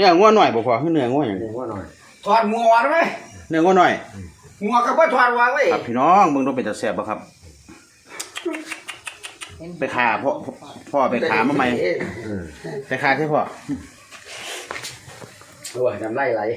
นื้องัวหน่อยบ่พอคือเนื้องัวอย่างเนื้องัวหน่อยถอดงัวได้ไหมเนื้องัวหน่อยงัวก็บ่ถอดวางไว้ครับพี่น้องมึงต้องเป็นตาแซ่บบ่ครับไปขาพ่อไปขามาใหม่ไปขาใช่พ่อโอ้ยน้ำไหล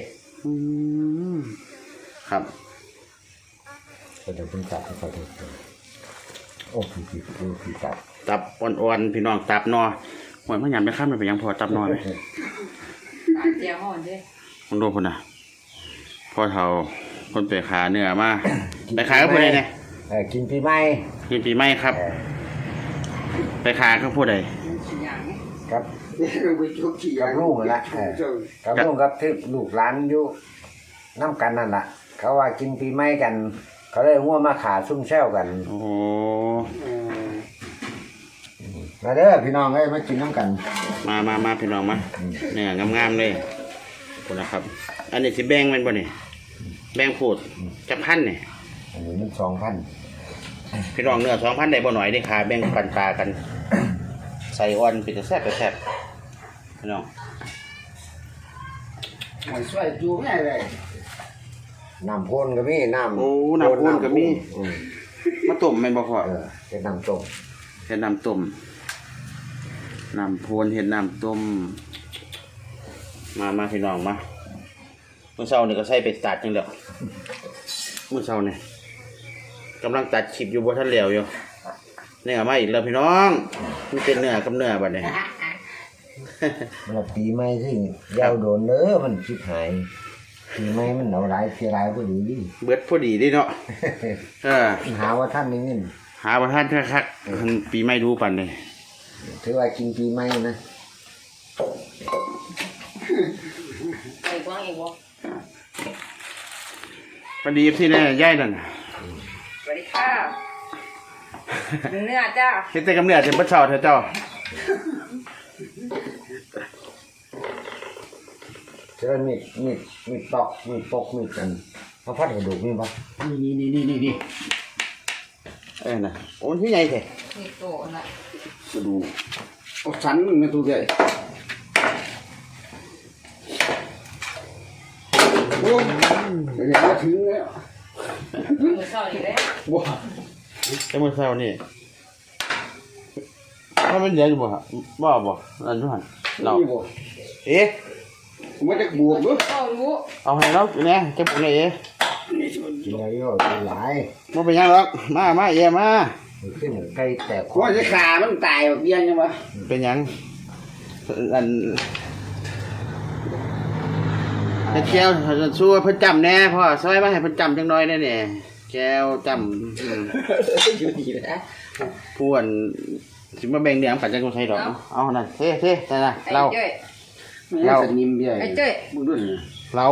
ครับก็จะเป็นตับให้เขาดูโอ้ผีตับอ่อนๆพี่น้องตับนอหวยมันยำไปข้ามมันไปยังพอตับนอไหมเจียวห่อนดิคนดูคนน่ะพ่อเฒ่าคนไปขาเนื้อมาไปขาก็พูดอะไรเนี่ยกินปีใหม่กินปีใหม่ครับไปขาก็พูดอะไรครับไปจุกขี้กับลูกนั่นแหละกับลูกกับที่ลูกหลานอยู่น้ำกันนั่นแหละเขาว่ากินปีใหม่กัน เขาเลยง่วมาขาซุ่มแซวกันโอ้โหมาเด้อพี่น้องเอ้ยมากินน้ำกันมาพี่น้องมาเนี่ยงามๆเลยคนนะครับอันนี้สิแบ่งมันบ่เนี่ยแบ่งพูดจะพันเนี่ยอันนี้มัน2,000 พี่น้องเนื้อ2,000ได้บ่หน่อยได้ขาแบ่งปันปลากันใส่อ่อนเป็นแซ่บพี่น้องหอยช่วยจูแม่เลยน้ำพ่นก็มีน้ำโอ้น้ำพ่นก็มีมาต้มแม่นบ่พอเป็นน้ำต้มเฮ็ดน้ำต้มน้ำพ่นเฮ็ดน้ำต้มมาพี่น้องมาเมื่อเช้านี่ก็ใส่ไปตัดจังแล้วเมื่อเช้านี่กำลังตัดคลิปอยู่บ่ทันแล้วอยู่เนื้อมาอีกแล้วพี่น้องมันเป็นเนื้อกับเนื้อบัดนี้มันปีใหม่ที่ยาวโดนเด้อมันชิบหายปีใหม่มันเอาหลายเสียหลายพอดีดิเบิดพอดีดิเนาะหาว่าท่านนี่เงินหาประทานคักๆปีใหม่ดูปันเลยถือว่ากินปีใหม่นะไอ้กวางไอ้วะพอดีที่นี่ย่ายนั่นสวัสดีค่ะเนื้อจ้าเฮ็ดแต่กำเนิดเต็มเช้าเถอะเจ้าเจอมีดตอกมีปกมีกันเขาพัดกระดูกมีปะนี่น่ะโอ้ยพี่ใหญ่แท้นี่โตน่ะกระดูกเอาสันมันตัวใหญ่โอ้เดี๋ยวมาถึงแล้วมือเศร้าอีกแล้วว้าแต่มื้อเช้านี่ถ้ามันใหญ่อยู่บ่ฮะบ่อันนั้นหั่นเรานี่บ่เอ๊ะมันจะบวกด้วยเศร้ารู้เอาให้เราแน่จักปุ่นเอ๊ะกินอะไรก็กินหลายบ่เป็นหยังหรอกมาเย่มาขึ้นไก่แตกว่าจะขามันตายแบบเบี้ยยังวะเป็นหยังอันเฮ็ดแก้วสู้เพิ่นจำแน่พ่อซอยมาให้เพิ่นจำจังน้อยแน่เนี่ยแก้วจำอยู่ดีนะผู้อันสิมาแบ่งเลี้ยงกันจังใช่ดอกเอานั่นเท่นั่นน่ะไอ้เราเจ้ยเราสนิมเบี้ยไอ้เจ้ยมึงด้วยนะเรา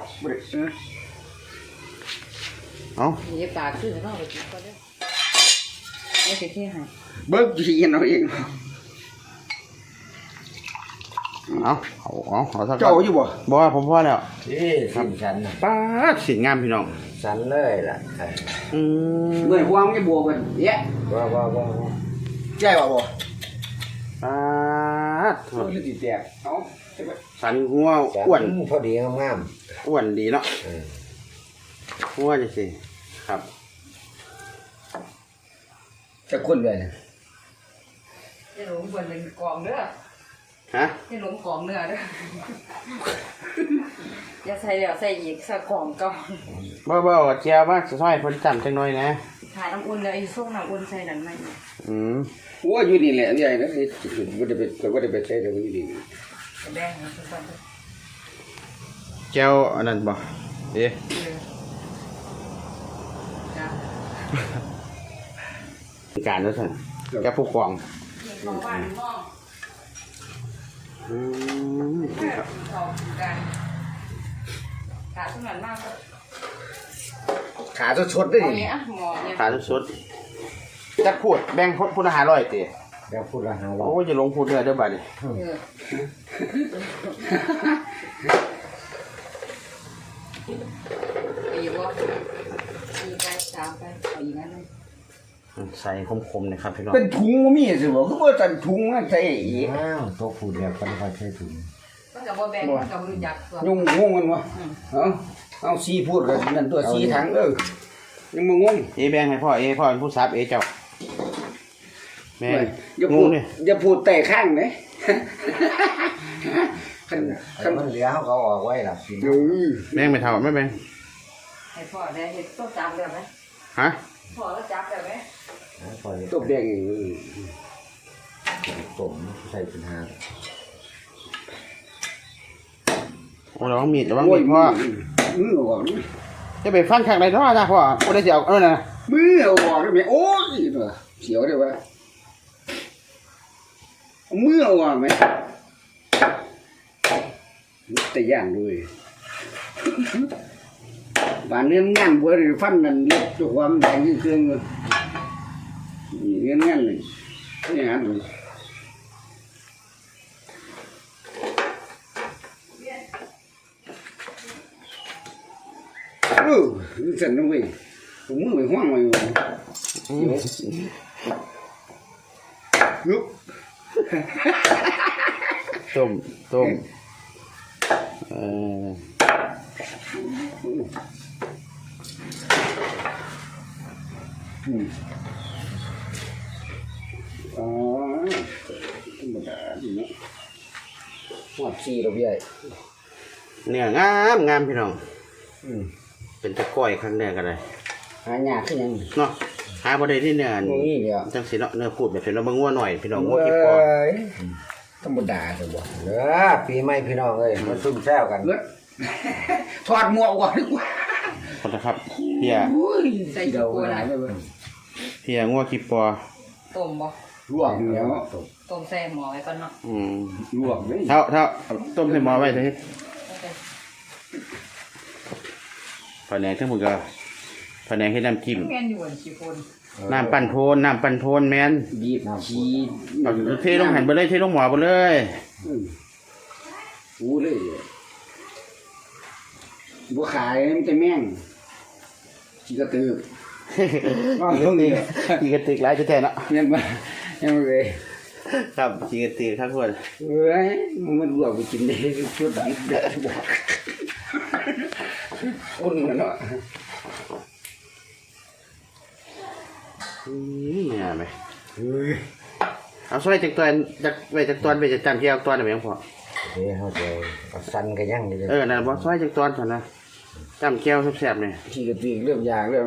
เอามีปากขึ้นแล้วไปกินก็ได้ไม่เสียที่ให้เบิกจีนเอาเองเอาสักเจ้าอยู่บ่บ่ว่าผมพอแล้วที่สิ้นฉันนะป้าดสิงามพี่น้องฉันเลยล่ะเมื่อความจะบวกกันเยอะว่าใช่ป่ะบ่ป้าดโอ้ยติดแตกเอาสันหัวฉันอ้วนพอดีงามอ้วนดีเนาะหัวจังซี่ครับจะคนเลยจะหลงบนเป็นกองเด้อฮะจะหลงกองเนื้อเด้ออย่าใส่แล้วใส่อีกสักกองก่อนบ่เจียวมาซอยเพิ่นจำจังน้อยนะถ่ายน้ำอุ่นเลยไอ้ส้มน้ำอุ่นใส่นั่นไหมหัวอยู่นี่แหละนี่ไอ้นะว่าจะไปใช้ตรงนี้ดีแดงนะทุกคนเจียวอันนั้นบ่เอ๊ะจ้าการแล้วซั่นแกผู้กองมองบ้านมองครับออกกันขาสมันมากขาชดๆได้เอาดิเนี้ยหมอเนี่ยขาสุดๆจักพูดแบ่งพูดอาหารร้อยติๆแล้วพูดละหาว่าโอ้ยจะลงพูดเนื้อเด้อบัดนี้ไปอยู่ว่ามีการสามไปเอาอย่างนั้นเลยใส่คมๆนะครับพี่น้องเป็นถุงมีสิบ่คือว่าตันถุงมันใส่อีกอ้าวตัวพูดแล้วก็ไม่ค่อยใช่ถุงก็จะกับบ่แบ่งมันกับรู้จักตัวยุ่งงงกันวะเอาซีพูดกันนั่นตัวซีถังยังมางงเอแบ่งให้พ่อพ่อเป็นผู้ซับเจ้าแม่อย่างูพูดนี่อย่าพูดแต่ข้างเลยมันเหลือเขาก็ออกไว้ล่ะสิแบ่งไม่เท่าไม่แบ่งให้พ่อได้เห็นต้นจับได้ไหมฮะพ่อแล้วจับได้ไหมปล่อยตบแดงต้มใส่เป็นหาโอ้ระวังมีดพ่อมือออกจะไปฟันข้างใดเนาะจ้าพ่อบ่ได้สิเอาน่ะมือออกได้ไหมโอ้ยเสียวได้ปะมือออกไหมแต่ย่างด้วยบ้านเนื้องานบัวฟันนั่นเล็บตัวความแดงที่เครื่องเลยเนื้องานเลยนี่ฮะดูสั่นนะเว้ยผมมือไปห้องไว้อยู่ยุบต้มอ๋อธรรมดาดีเนาะหัวซีเราใหญ่เนื้องามพี่น้องเป็นตะก้อยครั้งแรกก็ได้หายากขึ้นยังเนาะหาบ่ได้ที่เนื้อนี่เดียวจังสิเนาะเนื้อพูดแบบเป็นเราเบิ่งงัวหน่อยพี่น้องงัวกี่ปอธรรมดาเลยบ่เหลือปีใหม่พี่น้องเอ้ยมาซุ่มแซวกันเลือดถอดหมวกก่อนดีกว่าขอโทษครับเพียใส่เดี๋กี่ยวปูหลานะยไปเบิ่งเพียงัวกี่ปอต้มบ่ลวกแล้วต้มแซ่หมอไว้ก่อนเนาะลวกเลยเท่าต้มใส่หม้อไว้เถอะผนงทั้งหมดก็ผนงให้น้ำจิ้มแม่นอยู่อันสิคนน้ำปั่นโพนแม่นบีบชีเอาเทลงหันไปเลยเทลงหม้อไปเลยอู้เลยบัวขายมันจะแม่งชีกระตือว่าเรื่องนี้กีกระติกหลายจะแทนเนาะยังมายังมาเลยครับกีกระติกทั้งคนเอ้ยมันลวกไปกินได้ชุดดิบเด็ดบอกอุ่นกันเนาะเนี่ยไหมเอาซอยจากตัวจากไปจากตัวไปจากจานเที่ยวตัวไหนยังพอเดี๋ยวเขาจะเอาสั้นกันยังอยู่เลยนั่นบ่ซอยจากตัวสันนะจำแก้วแซ่บๆเนี่ยชีกระตือเรื่องยางเรื่อง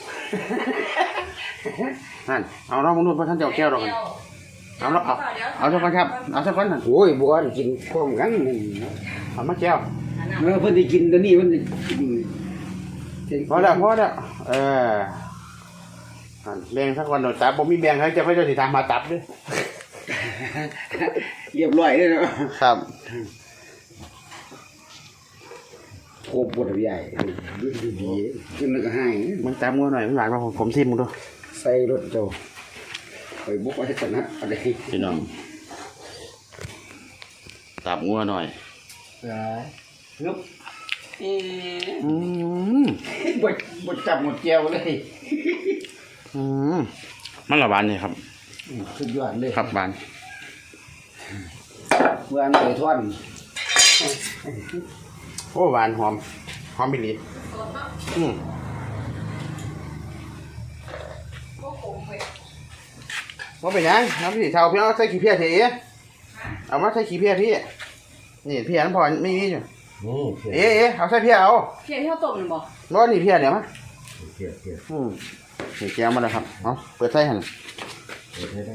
นั่นเอาเรามนุษย์พระท่านเจ้าแก้วเรากันเอาแล้วเอาสักคนครับเอาสักคนนั่นโอ้ยบัวกินพร้อมกันเอามาแก้วเมื่อเพิ่นได้กินตัวนี้มันพอแล้วแบ่งสักคนหน่อยตับผมมีแบ่งให้เจ้าพระเจ้าสิทางมาตับด้วยเรียบร้อยเลยเนาะครับโคบปวดใหญ่ดูดีขึ้นแล้วก็ให้มึงตับงัวหน่อยมึงหวานมาผมซิมมึงดูใส่รถเจ้าไปบุกไปชนะอะไรพี่น้องตับงัวหน่อยฮึบ บดจับหมดแก้วเลยมันละหวานเลยครับสุดยอดเลยครับหวานเมื่ออันไหนท่อนโอ้หวานหอมบิลีว่าเป็นยังครับพี่เท่าพี่เอาใส่ขี้เพี้ยเถอะเอามาใส่ขี้เพี้ยพี่นี่เพี้ยนั่นพอไม่มีอยู่นี่เพียเอาใส่เพี้ยเอาเพียที่เขาต้มนี่บ่ว่านี่เพี้ยเนี่ยมั้ยเพียนี่แก้วมาแล้วครับเอาเปิดใส่หันได้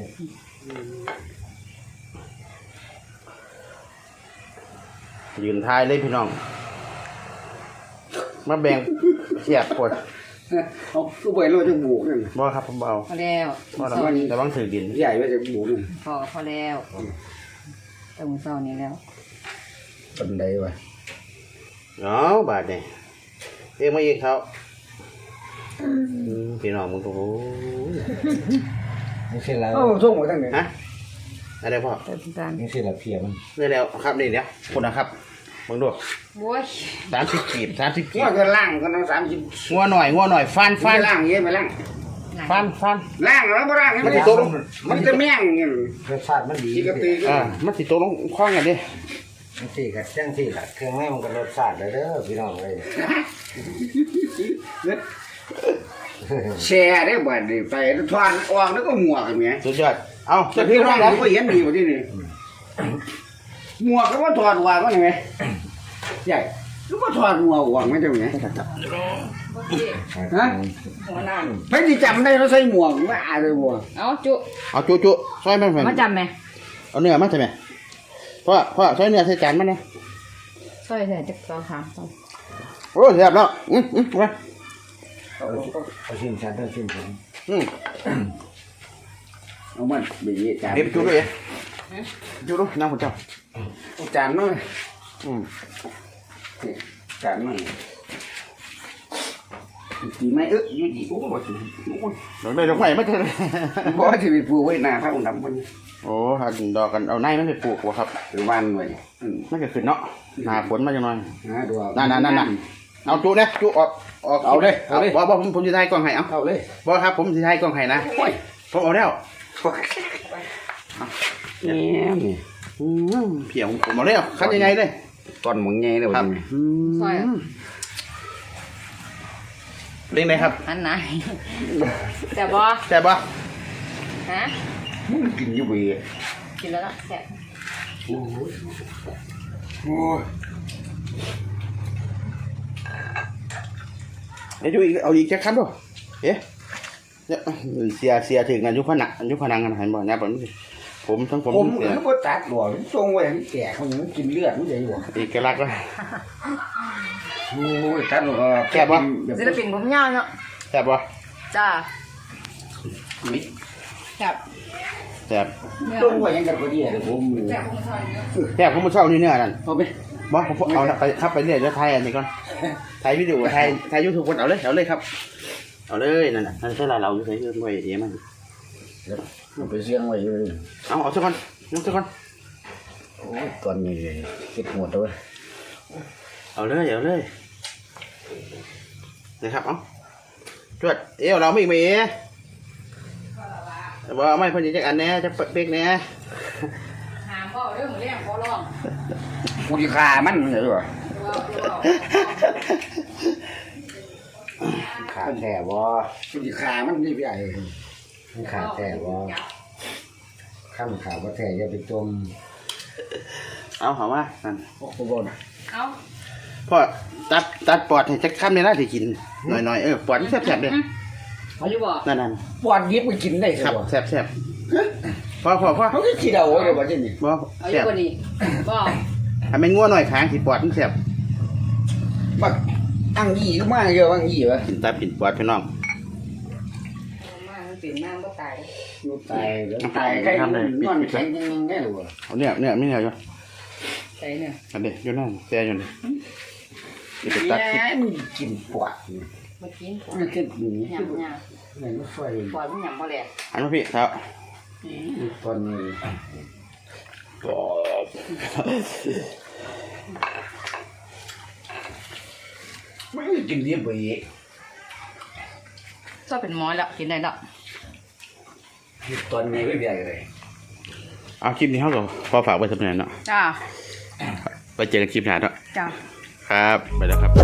ยืนทายเลยพี่น้องมาแบ่งเสียบปวดเอาก็ไปเราจะบุกนั่นบ่ครับผมเอาพอแล้วบ่แต่บางถือดินใหญ่ว่าจะบุกนั่นพอแล้วแต่มื้อเช้านี้แล้วปันใดวะเอาบาดเนี่ยเรียกมาอีกเขาพี่น้องมึงโอ้โหนี่สิละเอ้าส่งมาตั้งไหนฮะอะไรพ่อเติมจานนี่สิละเพียมันนี่แล้วครับนี่เดี๋ยวคนนะครับมึงดูโว้ย 30 กีบ30 กีว่าบก็ล่างก็ต้อง30 งัวหน่อยฟันล่างเยอะไปล่างฟันล่างแล้วบ่ล่างมันจะแม่งเงี้ยรสชาติมันดีชีกระตือมันสิโตลงคล้องกันดิจังซี่กับจังซี่ล่ะเครื่องในมันก็รสชาติเลยเด้อพี่น้องเลยแชร์ได้บ่ได้ไปทอนออกแล้วก็หมวกกันแหมสุดยอดเอาแต่จะพี่พี่น้น้ออง งแล้วก็เห็นดีกว่าที่นี่หมวกก็ว่าถอดวางก็ยังไงใหญ่ก็ว่าถอดหมวกวางไม่ใช่ไหมโอเคฮะหัวหน้าไม่ได้จำได้เราใส่หมวกว่าเลยบัวเอาจุเอาจุซอยมันแผ่นมาจำไหมเอาเนื้อมาใช่ไหมพ่อซอยเนื้อใส่จานมันเนี่ยซอยใส่จักรถามต้องโอ้แซ่บแล้วไปเอาชิมชันต้องชิมผมเอามันบีจานเดี๋ยวไปจุด้วยจุด้วยน้ำของเจ้าจานน้อยอืมจานน้อยดีไหมอยู่ดีโอ้โหดอกไม้ไม่ใช่บ่ที่ไปปลูกไว้หน้าพระองค์ดำมันโอ้หันดอกกันเอาในมันไปปลูกวะครับหรือวันไว้มันก็ขึ้นเนาะหนาฝนมาจังหน่อยดูนั่นเอาจุเนี่ยจุออกบอกผมจะถ่ายกล้องให้เอาเอาเลยบอกครับผมจะถ่ายกล้องให้นะผมเอาแล้วนี่เพียงผมเอาแล้วคันยังไงเลยตอนมึงไงเลยครับซอยเล่นไหนครับอันไหนแต่บอแซ่บปะฮะมึงกินอยู่บีกินแล้วละแซ่บโอ้ยเดี๋ยวจุอีกเอาอีกแค่คำด้วยเอ๊ะเสียถึงกันยุคพนังกันหันบ่เนี่ยผมทั้งผมผมเสียก็ตัดหลวงทรงไว้แก่เขายังกินเลือดมันใหญ่หลวงเอกลักษณ์แล้วโอ้ยตัดหลวงศิลปินผมยาวเนาะแซ่บปะจ้ามิดแซ่บแซ่บทรงไว้ยังกันพอดีเลยผมแซ่บผมซอยเยอะแซ่บผมมาเช่านี่เนื้อนั่นเอาไปบอสผมเอาไปครับไปเรื่อยจะถ่ายอันนี้ก่อนถ่ายวิดีโอถ่ายยูทูบคนเอาเลยครับเอาเลยนั่นน่ะนั่นใช่เราอยู่ใส่เรื่องไว้เดี๋ยวมันเอาไปเสียงไว้เลยเอาสักคนยกสักคนโอ้ยตอนนี้คิดหมดเลยเอาเลยนะครับเอาจวดเอวเราไม่มีบ่ไม่พอดีจักอันแน่จะเป๊กแน่หามก็เรื่องเลี้ยงขอร้องกูดีคามันเลยว่ะขาดแท้บ่กูดีคามันนี่พี่ใหญ่มันขาดแท้บ่ข้ามขาดบ่แท้อย่าไปจมเอาหอมว่านั่นโอ้โหบ่นเอาพ่อตัดปอดให้จักคำเนี่ยนะที่กินหน่อยปอดแซ่บๆเลยเอาอยู่บ่นั่นปอดยิบไปกินได้คครัรับบ แซ่บพ่อเขาก็คิดเอาเลยว่าจะนี่บ่เอาอแซ่ยู่บบ่นี่บ่ถ้าไม่งัวหน่อยค้างที่ปอดมันแซ่บบักอังยี่ก็มาเยอะอังยี่วะกินตับกินปอดพี่น้องมามันเปลี่ยนน้ำก็ตายลูกตายแล้วตายใครนอนแข็งยังไงหรอเอาเนี่ยไม่เนี่ยอยู่ใส่เนี่ยอันเด็กอยู่นั่นแซ่อยู่นี่เดี๋ยวไปตัดคลิปมึงกินปอดมากินมันกินหนียำเหมือนไฟปล่อยมันยำบ่แหลกอันมาพี่ครับตอนนี้ไม่กินเรียบไปก็เป็นหมอแล้วกินได้แล้วตอนนี้ไม่ใหญ่เลยเอาคลิปนี้เขาก็พอฝากไว้สำหรับเนาะจ้าไปเจอกันคลิปหน้าเนาะจ้าครับไปแล้วครับ